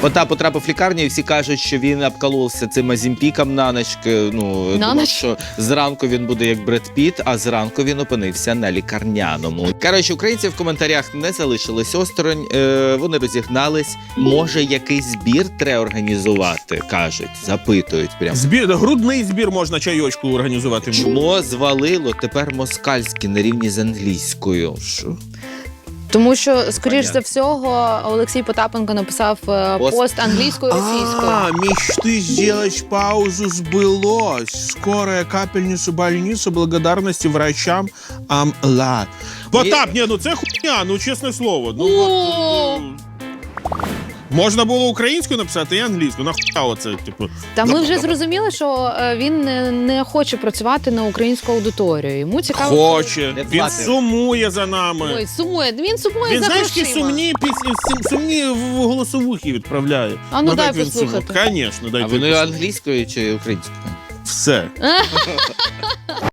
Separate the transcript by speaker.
Speaker 1: Потап потрапив в лікарню, і всі кажуть, що він обколовся цим азімпіком на ніч. Ну,
Speaker 2: На
Speaker 1: думав,
Speaker 2: ніч?
Speaker 1: що зранку він буде як Бред Піт, а зранку він опинився на лікарняному. Коротше, українці в коментарях не залишились осторонь, вони розігнались. Може, якийсь збір треба організувати, кажуть, запитують прямо.
Speaker 3: Грудний збір можна чайочку організувати.
Speaker 1: Чмо звалило тепер москальське на рівні з англійською. Що?
Speaker 2: Тому що, скоріш
Speaker 1: Понятно.
Speaker 2: за всього, Олексій Потапенко написав пост англійською і російською.
Speaker 3: Мечты сделать паузу сбылось. Скорая капельницу больницу благодарности врачам Амла. Потап, ні, ну це хуйня, ну чесне слово. Ну,
Speaker 2: О!
Speaker 3: можна було українською написати і англійською. Нахуя оце, типу.
Speaker 2: Та ми вже зрозуміли, що він не хоче працювати на українську аудиторію. Йому цікаво.
Speaker 3: Хоче.
Speaker 1: Не
Speaker 3: Він
Speaker 1: платить.
Speaker 3: сумує за нами.
Speaker 2: Ой, сумує. Він сумує
Speaker 3: Він,
Speaker 2: за
Speaker 3: знаєш,
Speaker 2: грошима.
Speaker 3: які сумні в голосовухи відправляє.
Speaker 2: А ну дай
Speaker 3: так він
Speaker 2: послухати.
Speaker 3: сумує. Звісно, дай
Speaker 1: А вони
Speaker 3: послухати.
Speaker 1: англійською чи українською?
Speaker 3: Все.